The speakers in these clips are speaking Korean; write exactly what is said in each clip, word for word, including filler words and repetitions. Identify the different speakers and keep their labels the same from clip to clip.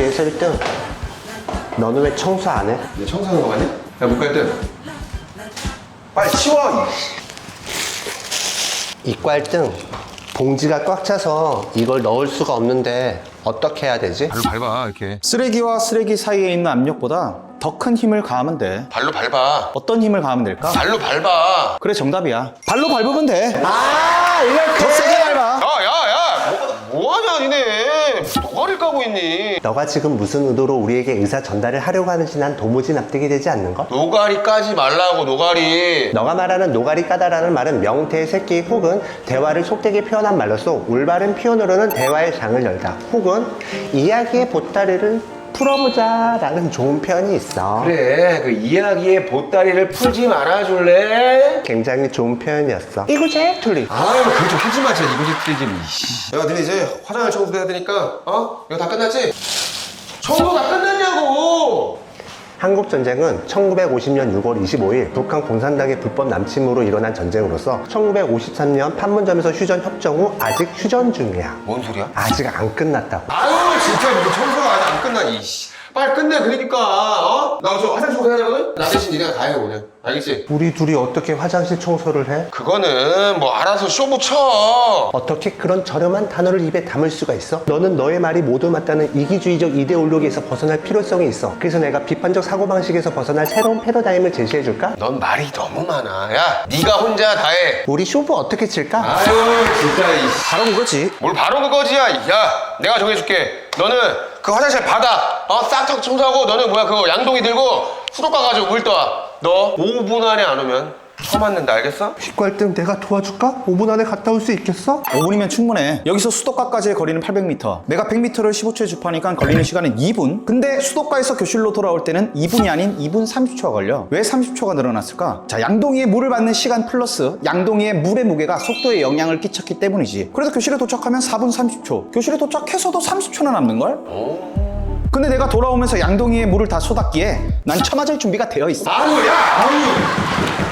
Speaker 1: 문제에서 일 등. 너는 왜 청소 안 해?
Speaker 2: 내 청소하는 거 맞냐? 야, 못 갈 등. 빨리 치워!
Speaker 1: 이과 일 등. 봉지가 꽉 차서 이걸 넣을 수가 없는데 어떻게 해야 되지?
Speaker 2: 발로 밟아, 이렇게.
Speaker 3: 쓰레기와 쓰레기 사이에 있는 압력보다 더 큰 힘을 가하면 돼.
Speaker 2: 발로 밟아.
Speaker 3: 어떤 힘을 가하면 될까?
Speaker 2: 발로 밟아.
Speaker 3: 그래, 정답이야. 발로 밟으면 돼.
Speaker 1: 아, 이렇게!
Speaker 3: 더 세게 밟아.
Speaker 2: 야, 야, 야! 뭐, 뭐하냐, 니네. 노가리를 까고 있니?
Speaker 1: 너가 지금 무슨 의도로 우리에게 의사 전달을 하려고 하는지 난 도무지 납득이 되지 않는 것?
Speaker 2: 노가리 까지 말라고, 노가리.
Speaker 1: 너가 말하는 노가리 까다라는 말은 명태의 새끼 혹은 대화를 속되게 표현한 말로써 올바른 표현으로는 대화의 장을 열다 혹은 이야기의 보따리를 풀어보자 라는 좋은 표현이 있어.
Speaker 2: 그래, 그 이야기의 보따리를 풀지 말아줄래?
Speaker 1: 굉장히 좋은 표현이었어. 이구제 틀리.
Speaker 2: 아유, 그거 좀 하지 마, 진짜 이거 좀. 야, 니네 이제 화장을 청소해야 되니까, 어? 이거 다 끝났지? 청소 다 끝났냐고!
Speaker 1: 한국전쟁은 천구백오십 년 유월 이십오일 북한 공산당의 불법 남침으로 일어난 전쟁으로서 천구백오십삼 년 판문점에서 휴전 협정 후 아직 휴전 중이야.
Speaker 2: 뭔 소리야?
Speaker 1: 아직 안 끝났다고.
Speaker 2: 아유, 진짜 이거 청소가 아직 안 끝나니, 이씨. 빨리 끝내, 그러니까, 어? 나 저 화장실 청소해야 되거든? 나 대신 니네가 다 해, 오늘. 알겠지?
Speaker 1: 우리 둘이 어떻게 화장실 청소를 해?
Speaker 2: 그거는 뭐 알아서 쇼 붙여.
Speaker 1: 어떻게 그런 저렴한 단어를 입에 담을 수가 있어? 너는 너의 말이 모두 맞다는 이기주의적 이데올로기에서 벗어날 필요성이 있어. 그래서 내가 비판적 사고방식에서 벗어날 새로운 패러다임을 제시해줄까?
Speaker 2: 넌 말이 너무 많아. 야, 네가 혼자 다 해.
Speaker 1: 우리 쇼부 어떻게 칠까?
Speaker 2: 아유, 진짜, 이씨.
Speaker 3: 바로 그거지.
Speaker 2: 뭘 바로 그거지야. 야, 내가 정해줄게. 너는 그 화장실 바닥 어 싹 청소하고, 너는 뭐야 그거 양동이 들고 수도가 가지고 물 떠와. 너 오 분 안에 안 오면 처맞는다, 알겠어?
Speaker 1: 휘갈등 내가 도와줄까? 오 분 안에 갔다 올 수 있겠어?
Speaker 3: 오 분이면 충분해. 여기서 수도가까지의 거리는 팔백 미터. 내가 백 미터를 십오 초에 주파니까 걸리는 시간은 이 분. 근데 수도가에서 교실로 돌아올 때는 이 분이 아닌 이 분 삼십 초가 걸려. 왜 삼십 초가 늘어났을까? 자, 양동이의 물을 받는 시간 플러스 양동이의 물의 무게가 속도에 영향을 끼쳤기 때문이지. 그래서 교실에 도착하면 사 분 삼십 초. 교실에 도착해서도 삼십 초나 남는걸? 근데 내가 돌아오면서 양동이의 물을 다 쏟았기에 난 처맞을 준비가 되어 있어.
Speaker 2: 아유, 야, 아유.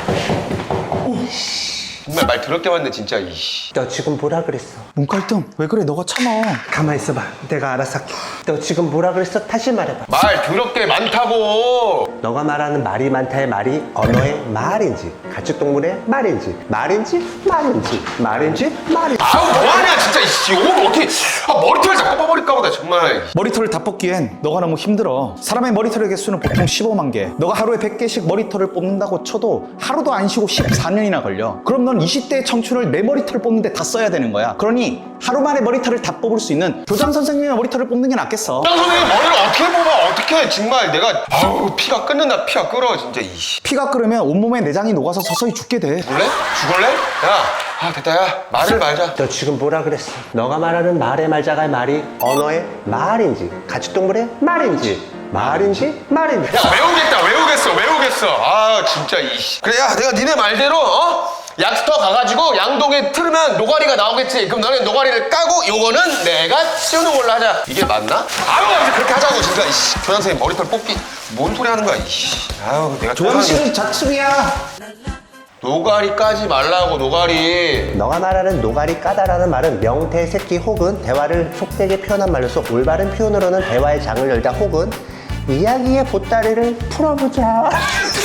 Speaker 2: 정말 말 더럽게 맞네, 진짜. 이씨.
Speaker 1: 너 지금 뭐라 그랬어?
Speaker 3: 문갈등 왜 그래? 너가 참아.
Speaker 1: 가만히 있어봐. 내가 알아서 할게. 너 지금 뭐라 그랬어? 다시 말해봐.
Speaker 2: 말 더럽게 많다고.
Speaker 1: 너가 말하는 말이 많다의 말이 언어의 말인지 가축동물의 말인지 말인지 말인지 말인지 말인지.
Speaker 2: 아우, 뭐하냐, 진짜. 이씨, 오늘 어떻게 아, 머리털 다 뽑아버릴까 보다, 정말.
Speaker 3: 머리털을 다 뽑기엔 너가 너무 힘들어. 사람의 머리털의 개수는 보통 십오만 개. 너가 하루에 백 개씩 머리털을 뽑는다고 쳐도 하루도 안 쉬고 십사 년이나 걸려. 그럼 넌 이십 대의 청춘을 내 머리털을 뽑는데 다 써야 되는 거야. 그러니 하루 만에 머리털을 다 뽑을 수 있는 교장 선생님의 머리털을 뽑는 게 낫겠어.
Speaker 2: 교장 선생님 머리를 어떻게 뽑아? 어떻게 해? 정말 내가 아우, 피가 끓는다. 피가 끓어, 진짜. 이씨.
Speaker 3: 피가 끓으면 온몸에 내장이 녹아서 서서히 죽게 돼.
Speaker 2: 죽을래? 죽을래? 야, 아, 됐다. 야, 말을 말자.
Speaker 1: 너 지금 뭐라 그랬어? 너가 말하는 말의 말자가 말이 언어의 말인지 가축동물의 말인지 말인지 말인지.
Speaker 2: 야, 외우겠다. 외우겠어. 외우겠어. 아, 진짜. 이씨. 그래, 야, 내가 니네 말대로 어? 약스터 가가지고 양동에 틀으면 노가리가 나오겠지. 그럼 너네 노가리를 까고 요거는 내가 치우는 걸로 하자. 이게 맞나? 아유, 이제 그렇게 하자고, 진짜. 이씨. 교장 선생님 머리털 뽑기 뭔 소리 하는 거야, 이씨. 아유, 내가
Speaker 3: 조항실은 자축이야.
Speaker 2: 노가리 까지 말라고, 노가리.
Speaker 1: 너가 말하는 노가리 까다라는 말은 명태 새끼 혹은 대화를 속되게 표현한 말로서 올바른 표현으로는 대화의 장을 열다 혹은 이야기의 보따리를 풀어보자.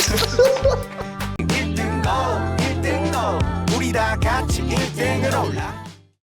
Speaker 4: 일 등 고 일 등 고 우리 다 같이 일 등을 올라